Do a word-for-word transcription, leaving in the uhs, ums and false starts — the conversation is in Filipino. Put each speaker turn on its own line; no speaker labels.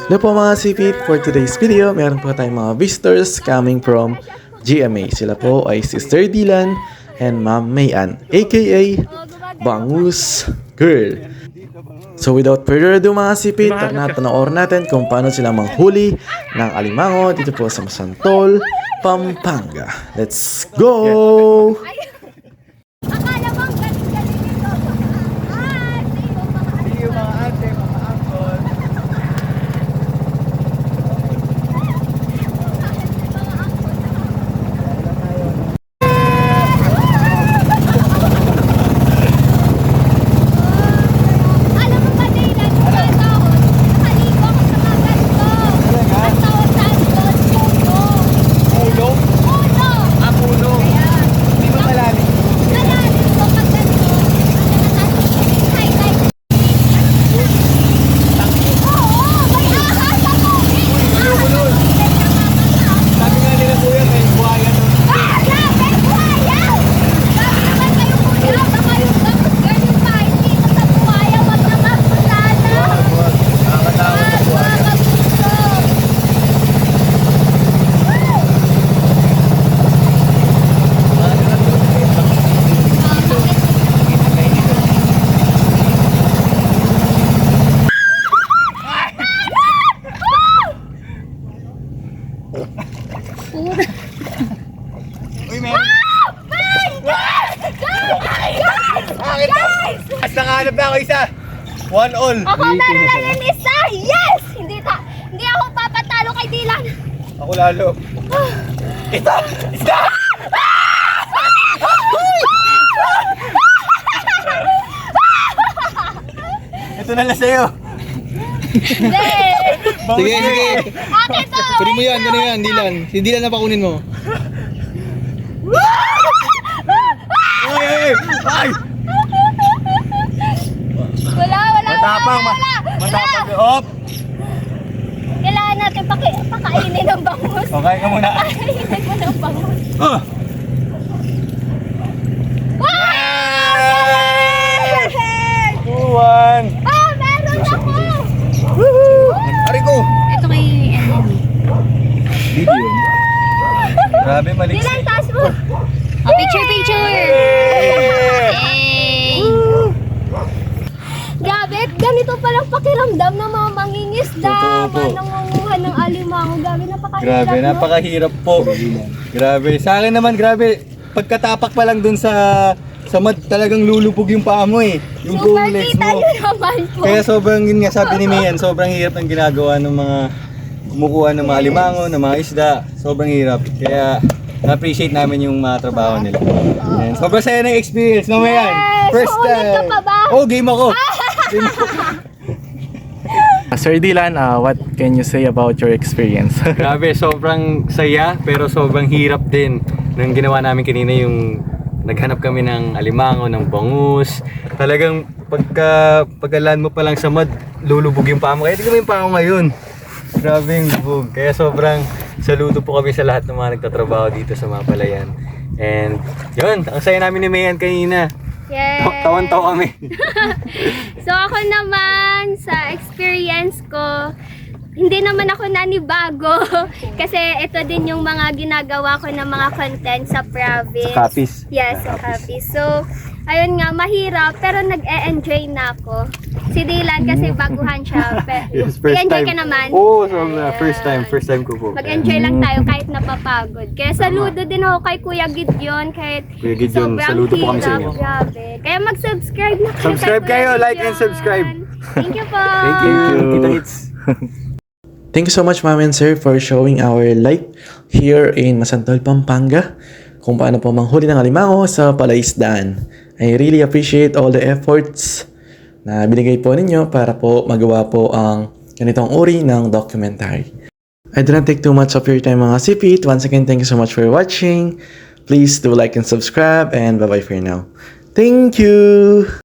Hello po mga sipit, for today's video, meron po tayong mga visitors coming from G M A. Sila po ay Sister Dylan and Ma'am Mayan, aka Bangus Girl. So without further ado mga sipit, tara na panoorin natin kung paano sila manghuli ng alimango dito po sa Masantol, Pampanga. Let's go!
Akala mo ang galing-galing nito. Ah, see you mga ate.
Yung mga ate, mga uncle.
Alam mo ba, Dylan, nung bata ako, nakaligo ako sa mga ganito. Ang tawag sa akin doon, puno.
Puno?
Puno!
Ah, puno.
Kaya,
Hindi ba malalim?
nalalim ko pag ganito. Ang highlight. Oo, may ahas ako.
Ayoko nun. Sabi nga nila kuya, may buhaya nun.
Ah, grabe, buhaya! Sabi naman kayo, kuya, baka yung Bangus Girl yung kahit dito sa buhaya, wag naman po sana.
Wag, wag. Nakakatakot
Wag,
sa buhaya.
mga kapuso.
Uy, meron. Bakit? Mas nakahanap na ako isa. One all.
Ako meron lang yung isa! Yes! Hindi ta hindi ako papatalo kay Dylan.
Ako lalo. Ito! Isda! Ito na lang sa'yo.
Hindi!
Sige, sige.
Akin to!
Kunin mo yan, kunin mo yan, Dylan. Si Dylan na pa kunin mo.
Ay, ay, ay!
Wala, wala,
Matapang,
wala,
ma-
wala,
matapang.
wala.
Hop!
Kailangan natin paki pakainin ng bangus.
Okay ka muna.
Pakainin mo ng bangus.
Ah!
Yay!
two one!
Ah, meron ako!
Ari ko!
Ito kay Enemy.
Video yun.
Grabe, malik.
Dylan, taas mo! Oh, picture, picture! Hey! Grabe, ganito palang pakiramdam ng mga mangingisda.
Totoo po.
Mga nangunguha ng alimango. Grabe, napakahirap,
Grabe,
no?
napakahirap po. Grabe. Sa akin naman, grabe. Pagkatapak pa lang dun sa sa mud, talagang lulupog yung paa mo eh. Yung
Super
buong legs
kita
mo.
nyo naman po.
Kaya sobrang, yun nga sabi ni Mayan, sobrang hirap ng ginagawa ng mga kumukuha ng mga limango, ng mga isda. Sobrang hirap. Kaya na-appreciate namin yung mga trabaho nila. And sobrang saya ng experience, no Mayan?
Yes!
First
Uulit ka
time.
pa ba?
Oh, game ako. Game ako.
Sir Dylan, uh, what can you say about your experience?
Grabe, sobrang saya pero sobrang hirap din nung ginawa namin kanina yung naghanap kami ng alimango, ng bangus. Talagang pagka pagkalan mo pa lang sa mud, lulubog yung paa mo. Kaya tingnan mo yung paa ko ngayon. Grabe yung lubog. Kaya sobrang saludo po kami sa lahat ng mga nagtatrabaho dito sa Mapalayan. And yun, ang saya namin ni Mayan kanina.
Yes.
Tawan-tawa kami.
So ako naman, sa experience ko, hindi naman ako nanibago. Kasi ito din yung mga ginagawa ko ng mga content sa province.
Sa Capiz.
Yes, sa Capiz. So, ayun nga, mahirap, pero nag-e-enjoy na ako. Si Dylan kasi baguhan siya. Pe-
Yes, first
enjoy
time.
ka naman.
Oo, so, uh, first time.
Ayan.
First time ko po.
Mag-enjoy lang tayo kahit napapagod. Kaya saludo din ako kay Kuya Gideon kahit
Kuya Gideon,
sobrang
saludo po kami sa
hirap.
inyo.
Grabe. Kaya mag-subscribe na kayo
Subscribe
kay Kuya
kayo, like and
Gideon.
subscribe.
Thank you po.
Thank you. Kita hits.
Thank you so much, Ma'am and Sir, for showing our life here in Masantol, Pampanga. Kung paano po manghuli ng alimango sa palaisdaan. I really appreciate all the efforts na binigay po ninyo para po magawa po ang ganitong uri ng documentary. I do not take too much of your time mga sipit. Once again, thank you so much for watching. Please do like and subscribe and bye-bye for now. Thank you!